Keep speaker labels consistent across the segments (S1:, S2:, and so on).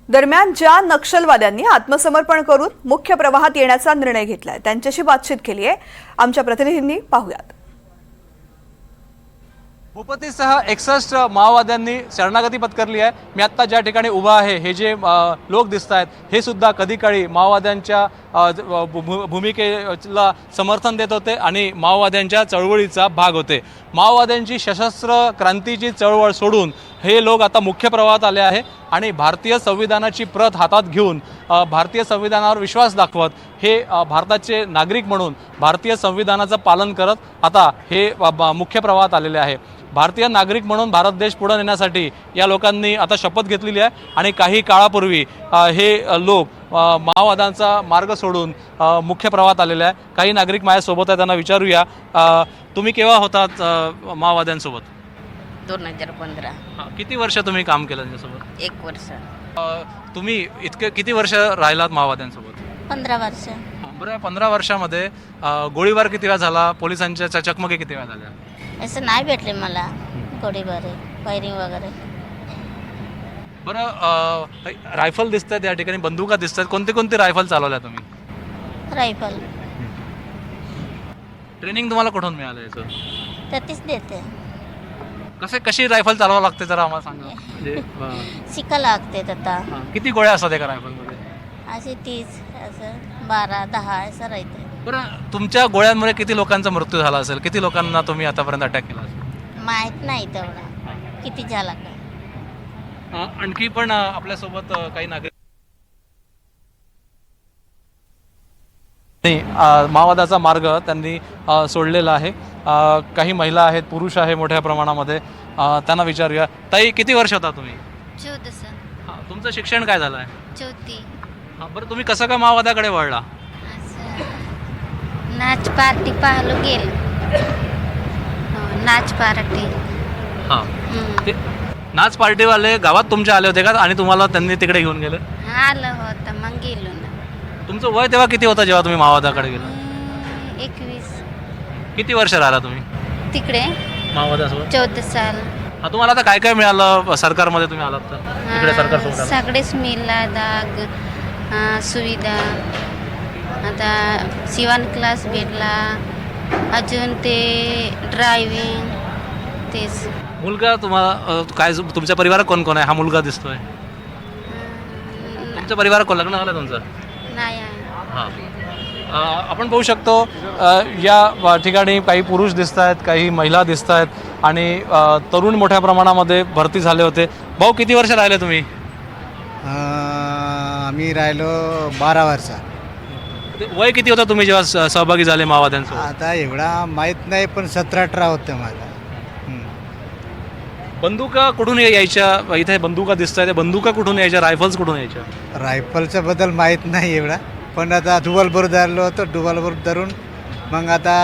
S1: दरम्यान ज्या नक्षलवाद्यांनी आत्मसमर्पण करून मुख्य प्रवाहात येण्याचा निर्णय घेतलाय त्यांच्याशी बातचीत केली आहे आमच्या प्रतिनिधींनी. पाहूयात.
S2: भूपतीसह 61 माओवाद्यांनी शरणागती पत्करली आहे. मी आत्ता ज्या ठिकाणी उभा आहे हे जे लोक दिसत आहेत हे सुद्धा कधी काळी माओवाद्यांच्या भूमिकेला समर्थन देत होते आणि माओवाद्यांच्या चळवळीचा भाग होते. माओवाद्यांची सशस्त्र क्रांतीची चळवळ सोडून हे लोक आता मुख्य प्रवाहात आले आहे आणि भारतीय संविधानाची प्रत हातात घेऊन भारतीय संविधानावर विश्वास दाखवत हे भारताचे नागरिक म्हणून भारतीय संविधानाचं पालन करत आता हे मुख्य प्रवाहात आलेले आहे. भारतीय नागरिक म्हणून भारत देश पुढे नेण्यासाठी या लोकांनी आता शपथ घेतलेली आहे आणि काही काळापूर्वी हे लोक माओवाद्यांचा मार्ग सोडून मुख्य प्रवाहात आलेले आहे. काही नागरिक माझ्यासोबत आहेत, त्यांना विचारूया तुम्ही केव्हा होतात माओवाद्यांसोबत?
S3: 2015.
S2: किती वर्ष तुम्ही काम केलं त्यांच्यासोबत?
S3: 1 वर्ष.
S2: तुम्ही किती वर्ष राहिलात माओवाद्यांसोबत?
S3: 15 वर्ष.
S2: बरं, 15 वर्षामध्ये गोळीबार किती वेळा झाला? पोलिसांच्या चकमकी किती वेळा झाल्या?
S3: असं नाही भेटले मला गोळीबार फायरिंग वगैरे.
S2: बरं, रायफल दिसत आहेत या ठिकाणी, बंदुका दिसत आहेत. कोणते कोणते रायफल चालवल्या तुम्ही?
S3: रायफल.
S2: ट्रेनिंग तुम्हाला कुठून मिळालं याचं?
S3: तर तीच देते.
S2: कशी रायफल चालवावं लागते जरा आम्हाला सांगा. म्हणजे
S3: शिका लागते आता.
S2: किती गोळ्या असतात एका रायफलमध्ये?
S3: असे 30 असं 12 10 असं राहते.
S2: बरं, तुमच्या गोळ्यांमुळे किती लोकांचा मृत्यू झाला असेल? किती लोकांना तुम्ही आतापर्यंत अटॅक केला असेल?
S3: माहीत नाही तेवढा किती झाला का.
S2: आणखी पण आपल्यासोबत काही नागरिक माओवादाचा मार्ग त्यांनी सोडलेला आहे. काही महिला आहेत, पुरुष आहे मोठ्या प्रमाणामध्ये. त्यांना विचारूया. ताई, किती वर्ष होता तुम्ही?
S3: 14.
S2: तुमचं शिक्षण काय झालं आहे?
S3: 4.
S2: बरं, तुम्ही कसं काय माओवाद्याकडे वळला?
S3: नाच पार्टी पाहलो गेल. नाच पार्टी.
S2: हां, ते नाच पार्टीवाले गावात तुमच्या आले होते का आणि तुम्हाला त्यांनी तिकडे घेऊन गेले?
S3: आलं होतं मग गेलो ना.
S2: तुमचं वय तेव्हा किती होतं जेव्हा तुम्ही माओवादाकडे गेला?
S3: 21.
S2: किती वर्ष राहिला तुम्ही
S3: तिकडे?
S2: माओवादासोबत
S3: 14 साल.
S2: तुम्हाला आता काय काय मिळालं सरकारमध्ये तुम्ही आलात तर? तिकडे सरकारसोबत
S3: सगळेच मिळाला दाग सुविधा. आता शिवण क्लास भेटला, अजून ते ड्रायव्हिंग तेच.
S2: मुलगा तुम्हाला काय तुमच्या परिवारात कोण कोण आहे? हा मुलगा दिसतोय. तुमच्या परिवारात कोण लग्न झालं तुमचं?
S3: नाही आहे.
S2: हां, आपण पाहू शकतो या ठिकाणी काही पुरुष दिसत आहेत, काही महिला दिसत आहेत आणि तरुण मोठ्या प्रमाणामध्ये भरती झाले होते. भाऊ, किती वर्ष राहिले तुम्ही?
S4: आम्ही राहिलो 12 वर्ष.
S2: वय किती होतं तुम्ही जेव्हा सहभागी झाले माओवाद्यांसोबत?
S4: आता एवढा माहीत नाही, पण 17-18 होतं माझा.
S2: बंदुका कुठून यायच्या? इथे बंदुका दिसत आहेत, बंदुका कुठून यायच्या? रायफल्स कुठून यायच्या?
S4: रायफलच्या बद्दल माहीत नाही एवढा, पण आता डुबलभर धरलो होतं. डुबलभर धरून मग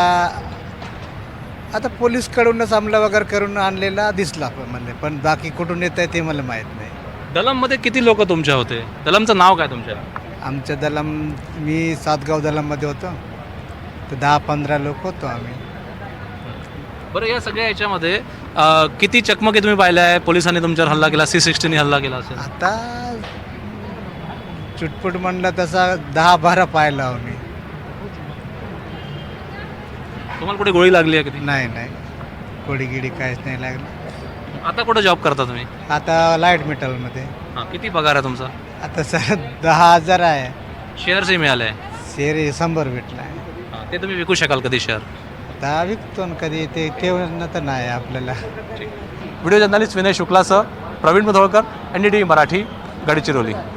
S4: आता पोलीसकडूनच अंमला वगैरे करून आणलेला दिसला मला, पण बाकी कुठून येत आहे ते मला माहीत नाही.
S2: दलममध्ये किती लोक तुमच्या होते? दलमचं नाव काय तुमच्या?
S4: आमच्या दलम, मी सातगाव दलममध्ये होतो, तर 10-15 लोक होतो आम्ही.
S2: बरं, या सगळ्या याच्यामध्ये किती चकमकी तुम्ही पाहिल्या आहे? पोलिसांनी तुमच्यावर हल्ला केला, C-60 हल्ला केला असेल?
S4: आता चुटपुट म्हणलं तसा 10-12 पाहिला आम्ही.
S2: तुम्हाला कुठे गोळी लागली आहे? किती?
S4: नाही, गोडी गिडी काहीच नाही लागलं.
S2: आता कुठं जॉब करता तुम्ही?
S4: आता लाईट मेटलमध्ये.
S2: किती पगार आहे तुमचा?
S4: आता सर 10,000 आहे.
S2: शेअर्सही मिळाले?
S4: शेअर 100 भेटला आहे.
S2: ते तुम्ही विकू शकाल कधी शेअर?
S4: आता विकतो ना कधी, ते ठेवणं तर नाही आपल्याला.
S2: व्हिडिओ जर्नलिस्ट विनय शुक्लासह प्रवीण मुधोळकर, NDTV मराठी, गडचिरोली.